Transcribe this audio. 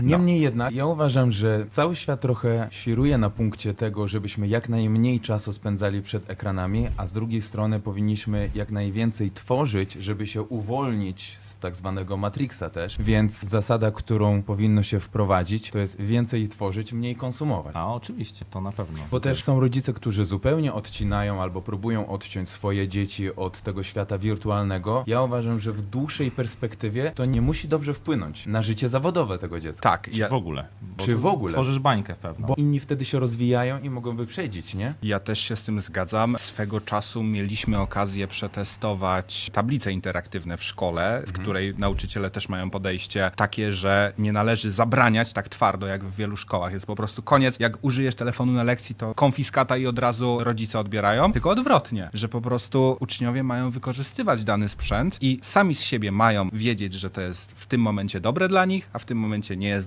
Niemniej jednak, ja uważam, że cały świat trochę świruje na punkcie tego, żebyśmy jak najmniej czasu spędzali przed ekranami, a z drugiej strony powinniśmy jak najwięcej tworzyć, żeby się uwolnić z tak zwanego Matrixa też. Więc zasada, którą powinno się wprowadzić, to jest więcej tworzyć, mniej konsumować. A oczywiście, to na pewno. Bo też są rodzice, którzy zupełnie odcinają albo próbują odciąć swoje dzieci od tego świata wirtualnego. Ja uważam, że w dłuższej perspektywie to nie musi dobrze wpłynąć na życie zawodowe tego dziecka. Tak, Czy w ogóle. Bo Czy tu w ogóle? Tworzysz bańkę pewną. Bo inni wtedy się rozwijają i mogą wyprzedzić, nie? ja też się z tym zgadzam. Swego czasu mieliśmy okazję przetestować tablice interaktywne w szkole, w której nauczyciele też mają podejście takie, że nie należy zabraniać tak twardo, jak w wielu szkołach. Jest po prostu koniec. Jak użyjesz telefonu na lekcji, to konfiskata i od razu rodzice odbierają. Tylko odwrotnie, że po prostu uczniowie mają wykorzystywać dany sprzęt i sami z siebie mają wiedzieć, że to jest w tym momencie dobre dla nich, a w tym momencie nie jest